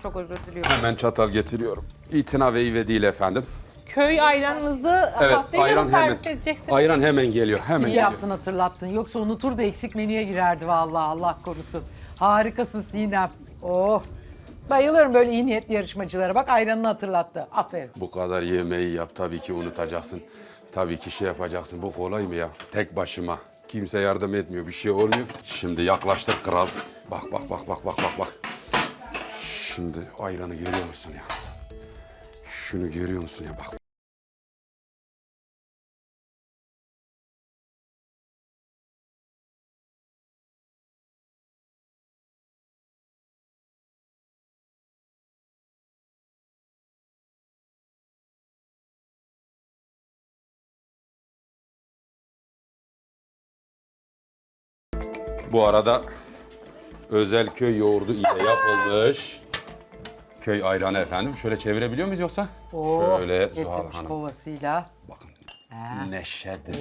çok özür diliyorum. Hemen çatal getiriyorum. İtina ve ive değil efendim. Köy ayranınızı Evet, tatlıyla ayran mı hemen. servis edeceksiniz? Ayran hemen geliyor, hemen İyi geliyor. yaptın hatırlattın. Yoksa unutur da eksik menüye girerdi vallahi Allah korusun. Harikasın Sinem. Oh. Bayılırım böyle iyi niyetli yarışmacılara. Bak ayranını hatırlattı. Aferin. Bu kadar yemeği yap, tabii ki unutacaksın. Tabii ki şey yapacaksın. Bu kolay mı ya? Tek başıma. Kimse yardım etmiyor, bir şey olmuyor. Şimdi yaklaştık kral. Bak, bak, bak, bak, bak, bak, bak. Şimdi ayranı görüyor musun ya? Şunu görüyor musun ya? Bak. Bu arada özel köy yoğurdu ile yapılmış köy ayranı efendim. Şöyle çevirebiliyor muyuz yoksa? Oh, Şöyle Zuhal getirmiş Hanım. kovasıyla. Bakın. Ha. Neşedir.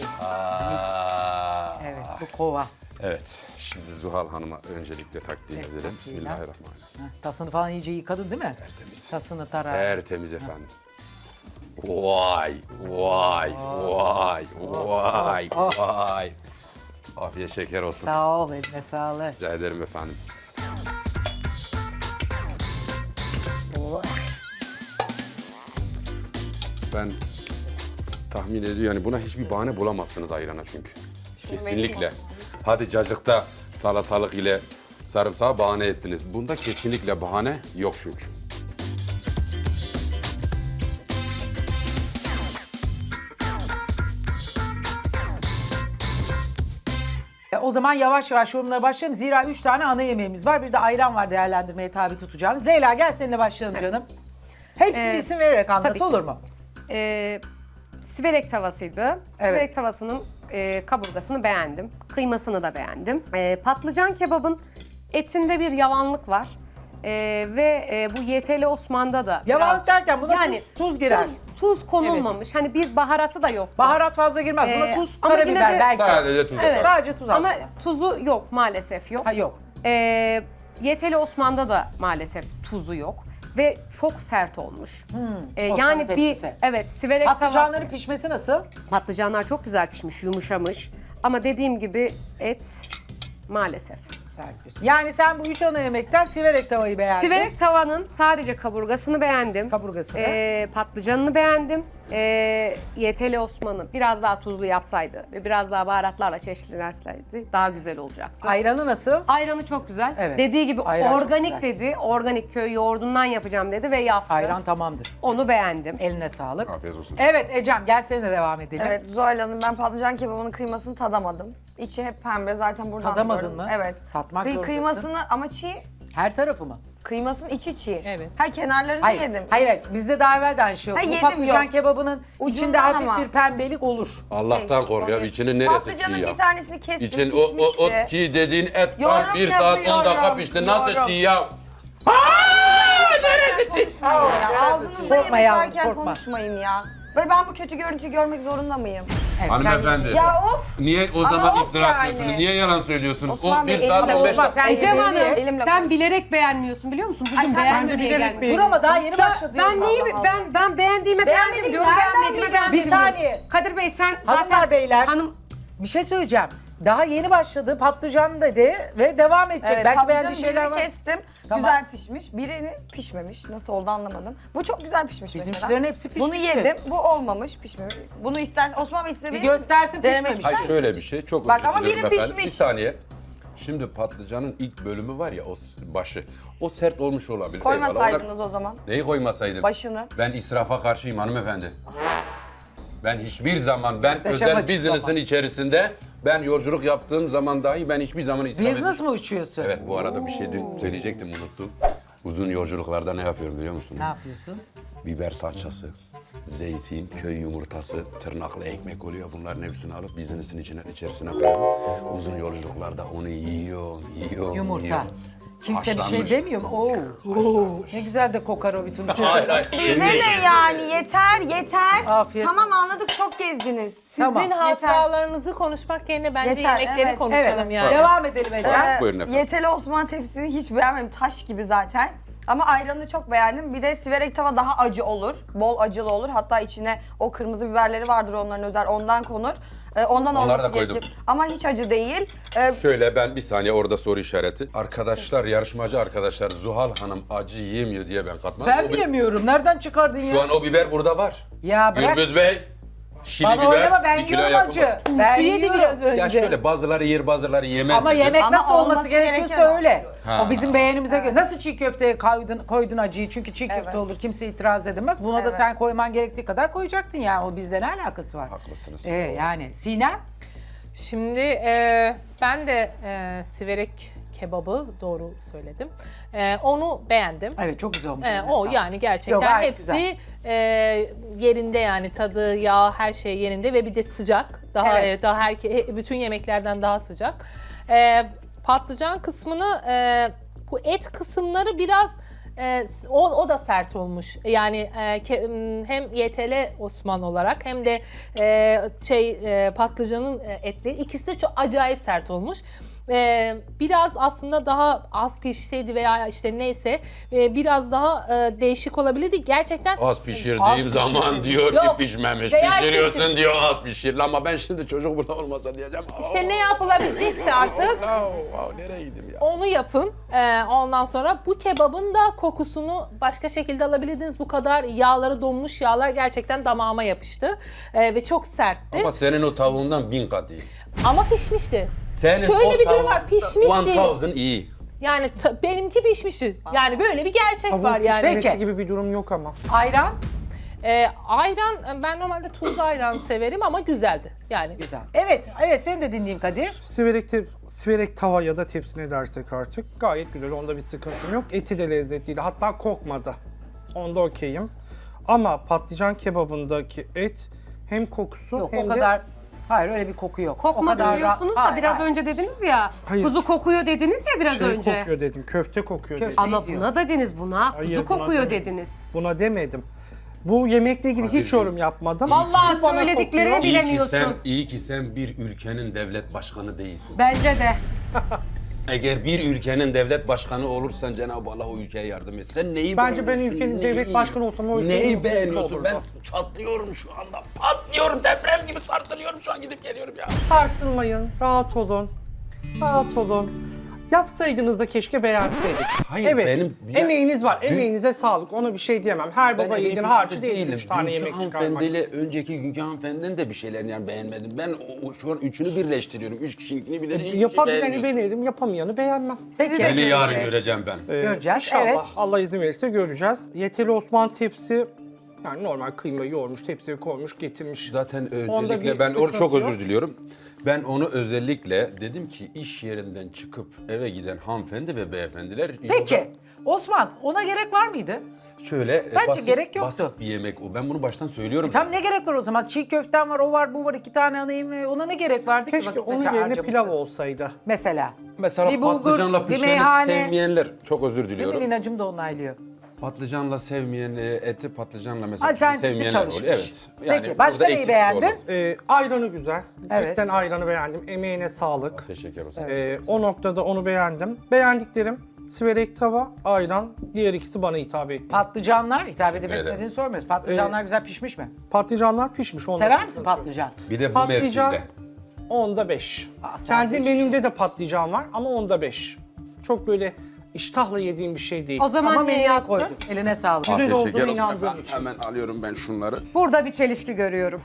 Evet bu kova. Evet. Şimdi Zuhal Hanım'a öncelikle takdim edelim. tasıyla. Bismillahirrahmanirrahim. Heh, tasını falan iyice yıkadın değil mi? Tertemiz. Tasını tarar. Tertemiz efendim. Vay, vay, vay, vay, vay. Afiyet şeker olsun. Sağ ol eline sağlık. Rica ederim efendim. Oh. Ben tahmin ediyorum yani buna hiçbir bahane bulamazsınız ayrana çünkü. Kesinlikle. Hadi cacıkta salatalık ile sarımsağı bahane ettiniz. Bunda kesinlikle bahane yok çünkü. O zaman yavaş yavaş yorumlara başlayalım. Zira 3 tane ana yemeğimiz var. Bir de ayran var değerlendirmeye tabi tutacağınız. Leyla gel seninle başlayalım canım. Hepsini isim vererek anlat tabii ki. olur mu? Siverek tavasıydı. Siverek tavasının kaburgasını beğendim. Kıymasını da beğendim. Patlıcan kebabın etinde bir yavanlık var. Ve bu YTL Osman'da da Yavanlık biraz- derken buna tuz girer. Tuz konulmamış. Hani bir baharatı da yok. Baharat fazla girmez. Buna tuz, ama yine karabiber de- belki. Sadece tuz Evet. atar. Sadece tuz Ama aslında. tuzu yok maalesef yok. Ha yok. YTL Osman'da da maalesef tuzu yok. Ve çok sert olmuş. Osmanlı Yani bir tepsisi. evet siverek Patlıcanların tavası. pişmesi nasıl? Patlıcanlar çok güzel pişmiş, yumuşamış. Ama dediğim gibi et maalesef. Serpiyorsun. Yani sen bu 3 ana yemekten siverek tavayı beğendin. Siverek tavanın sadece kaburgasını beğendim. Kaburgasını. Patlıcanını beğendim. YTL Osman'ı biraz daha tuzlu yapsaydı ve biraz daha baharatlarla çeşitlenseydi daha güzel olacaktı. Ayranı nasıl? Ayranı çok güzel. Evet. Dediği gibi Ayran çok organik güzel. dedi. Organik köy yoğurdundan yapacağım dedi ve yaptı. Ayran tamamdır. Onu beğendim. Eline sağlık. Afiyet olsun. Evet Ecem gel seninle devam edelim. Evet Zuhal Hanım, ben patlıcan kebabının kıymasını tadamadım. İçi hep pembe zaten buradan Tadamadın biliyorum. mı? Evet. Tatmak zorundasın. Kıymasını ama çiğ. Her tarafı mı? Kıymasının içi çiğ. Evet. Ha, kenarlarını Hayır. yedim. Hayır. Bizde daha evvel de aynı şey oldu. Ha, Bu yedim, patlıcan yok. kebabının içinde Ucundan hafif ama. bir pembelik olur. Allah'tan Neyse, kork ya. onu- İçinin neresi çiğ Patlıcanın ya? bir tanesini kestim, İçin pişmişti. o çiğ dediğin et var. Yorum 1 saat 10 dakika yapıyorum, pişti. Nasıl yorum. çiğ ya? Konuşmayın ya. Ağzınızda Korkma yemek yavrum, varken korkma. konuşmayın ya. Ve ben bu kötü görüntüyü görmek zorunda mıyım? Evet, Hanımefendi. Ya of! Niye o Ama zaman of iftira yani. atıyorsunuz? Niye yalan söylüyorsunuz? Osman O Bey, 1 saat elimle 15 Osman, dakika. sen Ecem belli Hanım et. Elimle sen konuş. bilerek beğenmiyorsun biliyor musun? Bugün Ay, sen beğenmemeye bilerek gelmişsin. beğen- Dur ama daha yeni başladı. Ben neyi Allah ben beğendiğime beğendim Beğenmedim, diyorum nereden beğenmediğime biliyorsun? beğenmedim. Bir saniye. Kadir Bey sen Hanımlar, zaten beyler. hanım Bir şey söyleyeceğim. Daha yeni başladı. Patlıcan dedi ve devam edecek. Evet, Belki patlıcanın beğendiği şeyler birini var. kestim. Tamam. Güzel pişmiş. Birini pişmemiş. Nasıl oldu anlamadım. Bu çok güzel pişmiş Bizimkilerin mesela. hepsi Bunu pişmişti. yedim. Bu olmamış, pişmemiş. Bunu ister Osman Bey Bir istedim. göstersin pişmemiş. Hayır şöyle bir şey. Çok Bak özür ama dilerim biri efendim. pişmiş. Bir saniye. Şimdi patlıcanın ilk bölümü var ya o başı. O sert olmuş olabilir. Eyvallah. Koymasaydınız o zaman. Neyi koymasaydım? Başını. Ben israfa karşıyım hanımefendi. Ben hiçbir zaman Muhteşem özel açıklama. business'ın içerisinde ben yolculuk yaptığım zaman dahi ben hiçbir zaman israf Business mı uçuyorsun? Evet bu arada bir şey söyleyecektim unuttum. Uzun yolculuklarda ne yapıyorum biliyor musunuz? Ne yapıyorsun? Biber salçası, zeytin, köy yumurtası, tırnaklı ekmek oluyor. Bunların hepsini alıp business'ın içerisine koyuyorum. Uzun yolculuklarda onu yiyorum. Yumurta. yiyorum. Kimse bir şey Haşlanmış. demiyor mu? Oo. Ne güzel de kokar o bütün. Hayır hayır. Bize ne yani? Yeter. Afiyet Tamam anladık, çok gezdiniz. Tamam. sizin hatıralarınızı konuşmak yerine bence Yeter, yemekleri evet. konuşalım Evet. yani. Devam edelim Ecem. Buyurun efendim. Yeteli Osman tepsini hiç beğenmedim. Taş gibi zaten. Ama ayranını çok beğendim. Bir de siverek tava daha acı olur. Bol acılı olur. Hatta içine o kırmızı biberleri vardır onların özel. Ondan konur. Ondan Onları da olması koydum. gerekir. Ama hiç acı değil. Şöyle ben bir saniye orada soru işareti. Arkadaşlar, yarışmacı arkadaşlar Zuhal Hanım acı yemiyor diye ben katmadım. Ben mi yemiyorum? Nereden çıkardın ya? Şu an o biber burada var. Ya bırak. Gürbüz Bey, şili Bana biber, oynama, ben 1 kilo yiyorum yapımı. acı. Ben Yedi yiyorum. biraz önce. Ya şöyle bazıları yer bazıları yemez. Ama dedi. yemek Ama nasıl olması olması gerekiyorsa gereken o. öyle. Ha. O bizim beğenimize göre. Nasıl çiğ köfteye koydun acıyı çünkü çiğ köfte Evet. olur kimse itiraz edemez. Buna da Evet. sen koyman gerektiği kadar koyacaktın yani. O bizle ne alakası var? Haklısınız. Yani Sinem Şimdi ben de siverek kebabı doğru söyledim. Onu beğendim. evet çok güzel olmuş. O Sağ ol. yani gerçekten Yok, gayet hepsi güzel. yerinde yani tadı, yağ, her şey yerinde ve bir de sıcak. Daha Evet. daha bütün yemeklerden daha sıcak. Patlıcan kısmını bu et kısımları biraz o da sert olmuş. Yani hem YTL Osman olarak hem de patlıcanın etleri ikisi de çok acayip sert olmuş. Biraz aslında daha az pişseydi veya işte neyse biraz daha değişik olabilirdi. Gerçekten Az pişirdiğim Az zaman pişirsin. diyor Yok. ki pişmemiş. Veya Pişiriyorsun kesin. diyor az pişir. Ama ben şimdi çocuk burada olmasa diyeceğim. işte ne yapılabilecekse artık Nereye gideyim ya? onu yapın. Ondan sonra bu kebabın da kokusunu başka şekilde alabilirdiniz. Bu kadar yağları donmuş yağlar gerçekten damağıma yapıştı. Ve çok sertti. Ama senin o tavuğundan 1000 kat iyi. Ama pişmişti. Senin Şöyle o bir durum var, pişmişti. 1000 iyi. Yani benimki pişmişti. Yani böyle bir gerçek var yani. Peki. Peki. gibi bir durum yok ama. Ayran Ayran, ben normalde tuzlu ayran severim ama güzeldi. Yani güzel. Evet seni de dinleyeyim Kadir. Siverek tava ya da tepsi ne dersek artık gayet güzel. Onda bir sıkıntım yok. Eti de lezzetliydi. Hatta kokmadı. Onda okeyim. Ama patlıcan kebabındaki et hem kokusu Yok hem o de kadar. Hayır öyle bir koku yok. O Kokmadı kadar diyorsunuz da Hayır, biraz hayır. önce dediniz ya. Hayır. Kuzu kokuyor dediniz ya biraz şey önce. kokuyor dedim. Köfte kokuyor Köfte. dedim. Ama diyor. buna dediniz buna. Hayır, Kuzu buna kokuyor demedim. dediniz. Buna demedim. Bu yemekle ilgili hiç Kadir'cim, yorum yapmadım. Vallahi Bana söylediklerini kokuyor. bilemiyorsun. İyi ki sen bir ülkenin devlet başkanı değilsin. Bence de. Eğer bir ülkenin devlet başkanı olursan Cenab-ı Allah o ülkeye yardım et. Sen neyi Bence ben beğeniyorsun? ülkenin devlet başkanı olsam o ülkenin Neyi mutlu beğeniyorsun? olurdu. Ben çatlıyorum şu anda. Patlıyorum, deprem gibi sarsılıyorum şu an gidip geliyorum ya. Sarsılmayın, rahat olun. Rahat olun. Yapsaydınız da keşke beğenseydik. Hayır, evet, benim- emeğiniz var. Emeğinize sağlık. Ona bir şey diyemem. Her baba yiğidin harcı değil 3 tane Dünkü yemek çıkarmak. hanımefendiyle önceki günkü hanımefendinin de bir şeylerini yani beğenmedim. Ben şu an üçünü birleştiriyorum. Üç kişininkini bile iki kişi Yapabileni beğenmiyor. beğenirim, yapamayanı beğenmem. Peki. Seni yarın göreceğim ben. Göreceğiz, İnşallah evet. Allah izin verirse göreceğiz. Yeteli Osman tepsi, yani normal kıymayı yoğurmuş, tepsiye koymuş, getirmiş. Zaten Onda öncelikle bir ben sıkıntı çok yok. özür diliyorum. Ben onu özellikle dedim ki iş yerinden çıkıp eve giden hanımefendi ve beyefendiler Peki Osman ona gerek var mıydı? şöyle Bence gerek yoktu. basit bir yemek o. Ben bunu baştan söylüyorum. Tam ne gerek var o zaman? Çiğ köften var, o var, bu var, 2 tane ana yemeği. Ona ne gerek vardı ki? Keşke vakit onun yerine harcamışsın? pilav olsaydı. Mesela. Mesela Bir bulgur, patlıcanla bir pişeni meyhane. sevmeyenler çok özür Değil mi? diliyorum. Linacım da onaylıyor. Patlıcanla sevmeyen eti patlıcanla mesela Alternatifli sevmeyenler çalışmış. oluyor. Evet. Peki, başka burada neyi eksik beğendin? olur. Ayranı güzel. Evet. Cidden ayranı beğendim. Emeğine sağlık. Teşekkür olsun. O noktada onu beğendim. Beğendiklerim siverek tava, ayran. Diğer ikisi bana hitap etti. Patlıcanlar hitap edip ederim. etmediğini sormuyoruz. Patlıcanlar güzel pişmiş mi? Patlıcanlar pişmiş. onda Sever misin sıkıntı yok. patlıcan? Bir de bu Patlıcan mevsimde. onda 5. sen Kendi de hiçbir menümde de patlıcan var ama onda 5. Çok böyle iştahla yediğim bir şey değil. O zaman Ama niye menüye yaptın? koyduk. Eline sağlık. Güzel Afiyet olduğunu şeker olsun inandığım efendim. için. Hemen alıyorum ben şunları. Burada bir çelişki görüyorum.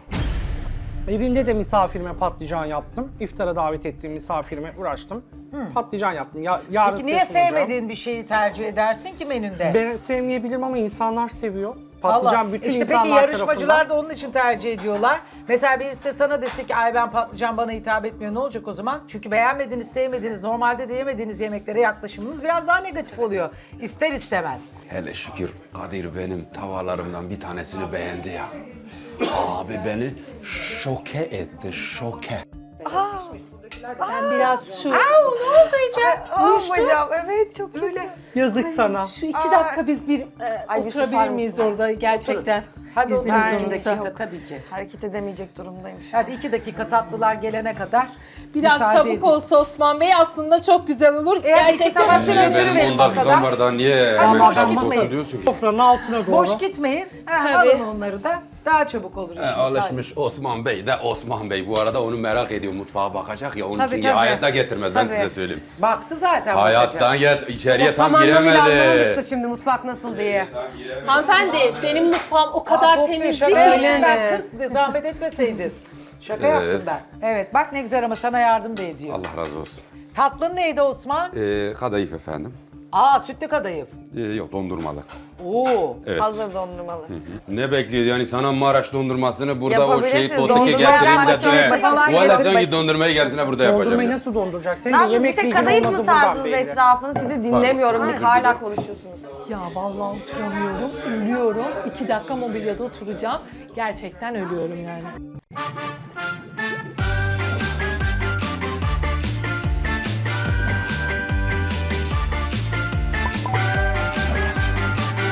Evimde de misafirime patlıcan yaptım. İftara davet ettiğim misafirime uğraştım. Patlıcan yaptım. Yarın Peki niye size sunacağım. sevmediğin bir şeyi tercih edersin ki menünde? Ben sevmeyebilirim ama insanlar seviyor. Patlıcan Allah. bütün İşte insanlar peki yarışmacılar tarafından. da onun için tercih ediyorlar. Mesela birisi de sana dese ki ay ben patlıcan bana hitap etmiyor ne olacak o zaman? Çünkü beğenmediğiniz, sevmediğiniz, normalde de yemediğiniz yemeklere yaklaşımınız biraz daha negatif oluyor. İster istemez. Hele şükür Kadir benim tavalarımdan bir tanesini beğendi ya. Abi beni şoke etti, şoke. Ben biraz şu Ne oldu Ece? Hocam evet çok kötü. Yazık sana. şu 2 dakika biz bir Ay, bir susar oturabilir miyiz mısınız? orada gerçekten? Hadi o İzniniz zaman 2 olursa. dakika tabii ki. Hareket edemeyecek durumdayım şu an. Hadi 2 dakika tatlılar gelene kadar Biraz müsaade çabuk edin. olsa Osman Bey aslında çok güzel olur. iki Gerçekten tabak bütün götürün. ömrüm- Benim 10 dakikam masada. var daha niye Ama hemen boş çabuk gitmeyin. olsun diyorsun ki? Sofranın altına doğru. Boş gitmeyin. Tabii. Alın onları da. Daha çabuk olur işimiz. Alışmış Osman Bey de Osman Bey. Bu arada onu merak ediyor. Mutfağa bakacak ya. Onun Tabii, için tabii. hayatta getirmez ben Tabii. size söyleyeyim. Baktı zaten. Hayattan içeriye O tam tam anlamıyla giremedi. anlamamıştı şimdi mutfak nasıl diye. Hanımefendi benim mutfağım o kadar temiz Şaka değil yaptım ki. ben kız. Zahmet etmeseydin. Şaka yaptım ben. Evet bak ne güzel ama sana yardım da ediyor. Allah razı olsun. Tatlın neydi Osman? Kadayıf efendim. Sütlü kadayıf. Yok dondurmalı. Oo. Evet. Hazır dondurmalı. Ne bekliyor yani sana Maraş dondurmasını burada o Yapabilirsiniz. şeyi potiki Dondurma getireyim yapmak de için falan Valla getirmek. sanki dondurmayı gelsine burada yapacağım. Dondurmayı ya. nasıl donduracak? Senin Ne de yaptınız? Bir yemek tek bilgin kadayıf mı olmadı buradan sardınız belli. etrafını? Sizi dinlemiyorum. Pardon, Hala özür dilerim. konuşuyorsunuz. Ya vallahi oturamıyorum, ölüyorum. 2 dakika mobilyada oturacağım. Gerçekten ölüyorum yani.